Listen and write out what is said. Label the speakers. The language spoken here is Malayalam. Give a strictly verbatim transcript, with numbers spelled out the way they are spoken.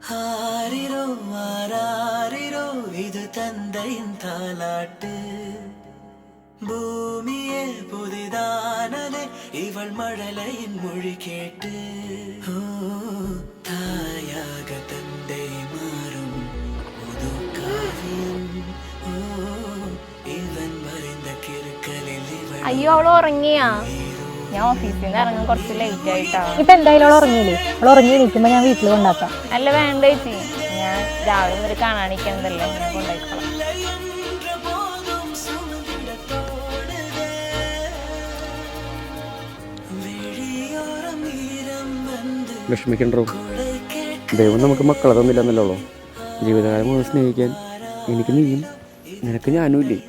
Speaker 1: ആരിരോ ആരാരിരോ ഇത് തന്തയിൻ താലാട്ട് ഭൂമിയെ പുതിതാനതെ ഇവൾ മഴലയിൻ മൊഴി കേട്ട് ഓ തായാക തന്റെ മാറും പുതുക്കാവ്യം ഓ ഇവൻ മറിந்த കിറുക്കലിൽ ഇവൾ
Speaker 2: അയ്യോ അവള് ഉറങ്ങിയാ? ഞാൻ ഓഫീസിൽ നിന്ന് ഇറങ്ങാൻ കുറച്ച് ലേറ്റ് ആയിട്ടാ.
Speaker 3: ഇപ്പൊ എന്തായാലും അവൾ ഉറങ്ങിയില്ലേ? അവൾ ഉറങ്ങി എണീക്കുമ്പോ ഞാൻ വീട്ടിൽ കൊണ്ടാക്കാം.
Speaker 2: അല്ല വേണ്ട ചേച്ചി, ഞാൻ രാവിലെ മുതൽ കാണാനിരിക്കുന്നതല്ലേ, ഞാൻ കൊണ്ടുപോയിക്കോളാം.
Speaker 4: വിഷമിക്കണ്ടോ? ദൈവം നമുക്ക് മക്കളെ തന്നില്ലെന്നല്ലോ. ജീവിതകാലം മുഴുവൻ സ്നേഹിക്കാൻ എനിക്ക് നീയും നിനക്ക് ഞാനും ഇല്ലേ?